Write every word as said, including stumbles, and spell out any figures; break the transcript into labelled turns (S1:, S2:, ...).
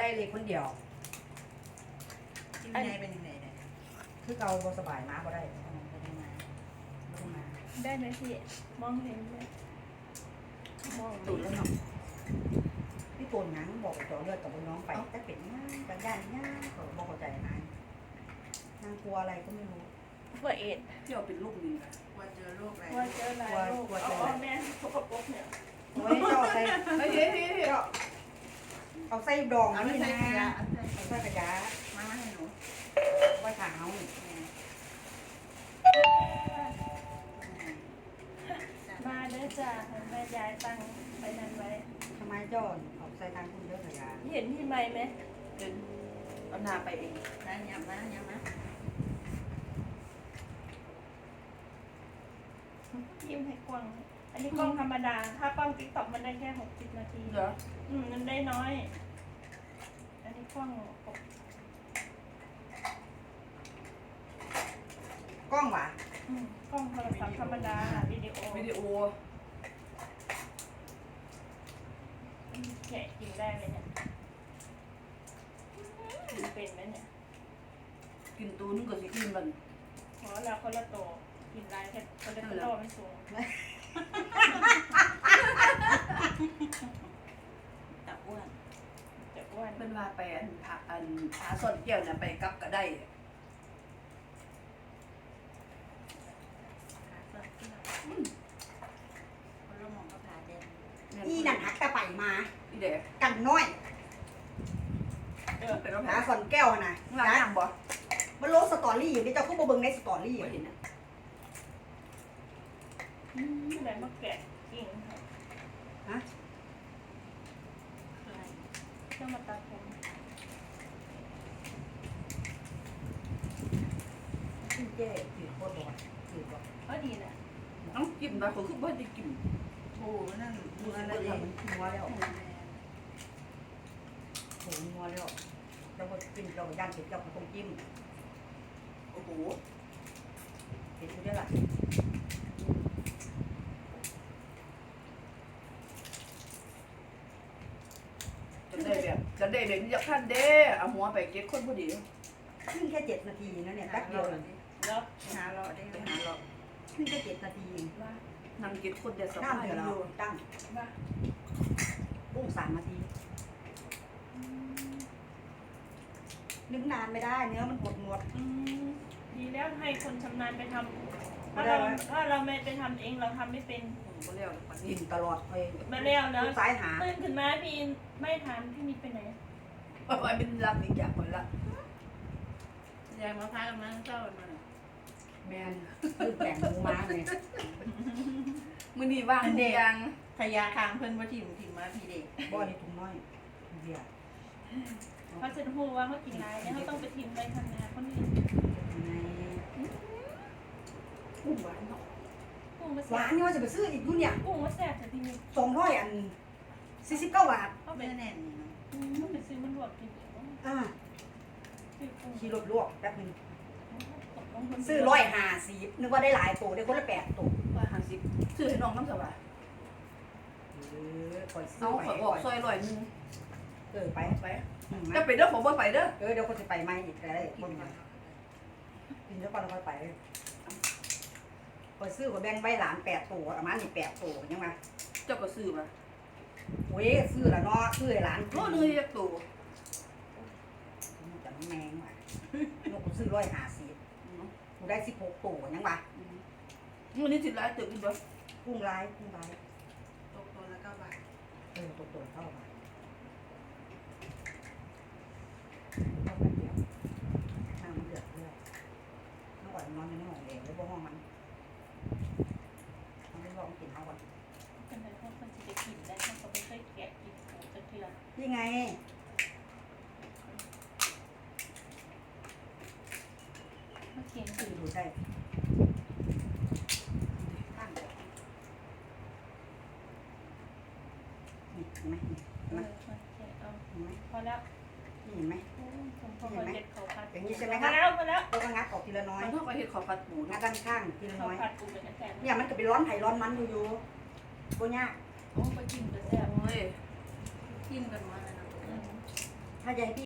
S1: เลยคนเดียว
S2: ที่ไม่ได้เป็นยังไงเนี่ย
S1: คือเราบ่สบายมาบ่ได้
S2: ไม่ได้มาไม่ได้มา
S3: ได้ไหมพี่มองเห็นไหมมอง
S1: ตุ่นแล้วเนาะพี่ตุ่นหยังบอกกับจอเลือดกับน้องไปแต่เป็นง่ายบางย่านง่ายเขาบอกเข้าใจนายนางกลัวอะไรก็ไม่รู้
S3: เพื่อเอ็ด
S4: เที่ยวเป็นลูกลิงอะ
S2: กลัวเจอโรคอะไร
S3: ว่าเจอหลายโรคเอาแม่สกปรกเนี่ย
S1: โอ้ยเจ้าใส่
S4: เฮ้ยเฮ้ยเฮ้ย
S1: เจ้าเอาใส่ดอง
S2: เอา
S1: นี่
S2: ไม่
S1: นะ
S2: ใช่ขยะเอา
S1: เอาใส่กระยา
S2: มาให้หนู
S1: ไว้ขาว
S3: มาเด้อจ้าแม่ยายตั้งไปนั่นไว้
S1: ทำไมเจ้าเอาใส่ทางคุณเยอะกระยา
S3: เห็นพี่ไหมไหม
S4: เดินเอาหน้าไปเอง
S2: นะยำนะยำนะ
S3: ยิ้มให้กว้างอันนี้กล้องธรรมดา ถ้ากล้องติ๊กต็อกมันได้แค่หกสิบนาที
S4: เหรอ
S3: อืมมันได้น้อย อันนี้กล้องหก
S1: กล้องหวะ
S3: อืมกล้องโทรศัพท์ธรรมดาวิดีโอ
S4: วิดีโอ
S3: แกะกินได้เลยเนี่ยกินเป็นไหมเนี่ย
S4: กินตูนึงก็สิกินมัน
S3: เพราะเราคนละโตกินได้แค่คนละโตไม่สูง
S2: ตับอ้วน
S3: จะอ้วน
S4: เป็นว่าไปอันผาอันผาซ่อนแก้วน่ะไปกลับก็ได้
S2: ขาสดที่เราคนละมองก็ผ่าเด่น
S1: นี่นั่นหักตะไปมา
S4: อีเด็ก
S1: กันน้อย
S4: เออเป็นว่า
S1: หาสอนแก้วน่ะ
S4: หลังย่างบ่
S1: มันลงสตอรี่อยู่นี่เจ้าก็บ่เบิ่งในสตอรี่
S4: ไม่เห็นนะ
S3: อะไรมาแกะกิ่งค่ะ
S1: ฮะ
S2: อะไร
S3: เพื่อมาตัดผม
S1: ขึ้นเจ๊ถือโคตรบ่ถือบ่
S3: ก็ดีนะ
S4: น้องกินมาเขาคือบ่ได้กิน
S2: โอ้นั่น
S1: มั
S2: มัน น
S1: อะ
S2: อะไร ไร
S1: เนี่ย
S2: เอง
S1: มันนัวแล้วโหนัวแล้วเราก็กินเราก็ย่างเผ็ดเราก็ต้องจิ้ม
S4: โอ้โห
S1: เผ็ดอยู่ได้ล่ะ
S4: จะได้แบบจะได้แบบนี้จะขั้นเด้เอาหัวไปเก็บคนพอดี
S1: ขึ้นแค่เจ็ดนาทีนะเนี่ยแป๊บเดียวเอง
S3: แล้ว
S2: หาเราได้
S4: ไปหาเรา
S1: ขึ้นแค่เจ็ดนาทีเอง
S3: ว่า
S4: นั่งเก็บคนเดียวส
S1: น้ำ
S4: บาย
S1: เดือด
S4: อ
S1: เรา
S4: ยู่
S1: ตั้ง
S3: ว่า
S1: ปุ้งสามนาทีนึ่งนานไม่ได้เนื้อมันหดหมด
S3: อืมดีแล้วให้คนชำนาญไปทำถ้าเราถ้าเราไม่ไปทำเองเราทำไม่เป็น
S4: ผมก็เรียกมัน
S1: กิ
S4: นี่
S1: นตลอดไป
S3: มาแล้วแล้ว
S1: ซ้ายหา
S3: ตื่นขึ้นมาพี่ไม่ถามพี่นิดไปไหน
S4: ว่าไปเป็นรับอีกอย่างคนละ
S2: ยายมาพากันมาเจ้ากันมา
S1: แมนคือแต่งหมูม้าเลย
S4: มื้อนี้ว่างทุกอย่าง
S2: ขยะคางเพิ่นว่าถิ่มถิ่มมาพี่เด็ก
S1: บ่อนี่ถุงน้อยเบียร์
S3: เขาจะพูดว่าเขากินอะไรเนี่ยเขาต้องไปทิ้งไปทำงานคนนี้
S1: ใน
S4: กุ้งหวานเนาะ
S3: กุ้งมา
S1: ห
S3: แซ่
S1: วา
S3: บ
S1: นนี่ว่าจะไปซื้ออีกดูเนี่ย
S3: กุ้งมาแซ่บแต่พี่นิด
S1: สองร้อยอันสี่สิบเก้าบาท
S3: เขาไป
S2: เนื้อแน่นนี่เนาะ
S3: อืมไปซื้อมันรวดกินเอง
S1: อ่า
S3: ซื้อกุ้ง
S1: ขี่รถลวกแป๊บนึง
S3: ตกลงคน
S1: ซื้อร้อยห้าสิบนึกว่าได้หลายตัวได้คนละแปดตัว
S4: ว่าห้าสิบซื้อให้น้องน้ำสบาย
S1: เออคอยซื้
S4: เอา
S1: อไป
S4: ขอยออกซอยร้อยหนึง
S1: เออไป
S4: ไป
S1: อืม
S4: จะไปเด้อผมบ่ไปเด้อ
S1: เออเดี๋ยวคนจะไปไหมอีกแต่ได้บนมากินแล้วก่อนแล้วค่อยไปคอยซื้อกับแบงค์ใบหลานแปดตัวประมาณนี่แปดตัวยังไง
S4: เจ้าก็ซื้อมา
S1: โอ้ยซื้อละเนาะซื้อให้หลาน
S4: โลนึงจะตัว
S1: จะไม่แมงว่ะนกกูซื้อร้อยห้าสิบกูได้สิบหกตัวยังวะ
S4: มื้อนี้สิหลายตึกอีกบ่
S1: กุ้งลายกุ้งลาย
S2: ตกตัวละเก้าบาท
S1: เออตัวตัวเท่ากันเท่ากันเดียวน้ำมันเดือดเรื่อยน้องก่อนนอนในห้องเองแล้วพวกห้องมันมันไม่ลองกินเอาก่อน
S3: เป็นไรพวกคนจะไปกินได้เขาไม่เคยแกะกินหมูจะเทือน
S1: นี่ไง
S3: เมื่อกี้
S1: คือดูได้ตั้งนี่เห็นไหมนี่
S3: เอ
S1: เห็นไหม
S3: อโอเคเอา
S1: เห็นไหม
S3: พอแล้ว
S1: นี่เห็นไหม
S3: ผมพอคนเด็ดเขาผัด
S1: อย่างนี้ใช่ไหม
S3: พ
S1: ครั
S3: อบ แล้วพอแล้ว
S1: แล้วก็งัดออกทีละน้อย
S4: มันเท่ากับเฮ็ดข้าวผัดหมู
S1: งั
S4: เนาะ
S1: ดด้านข้างทีละ
S3: เขา
S1: น้อย
S3: ผัดปูเป็นแซ่บ
S1: เนี่ยมันจะไปร้อนไผ่ร้อนมันอยู่อยู่โบยาก
S3: โอ้ไปกินเป็นแซ่บ
S4: โอ้ย
S2: กินกันมาแล้วนะ
S3: อืม
S1: ไผ่ถ้าจะให้พี่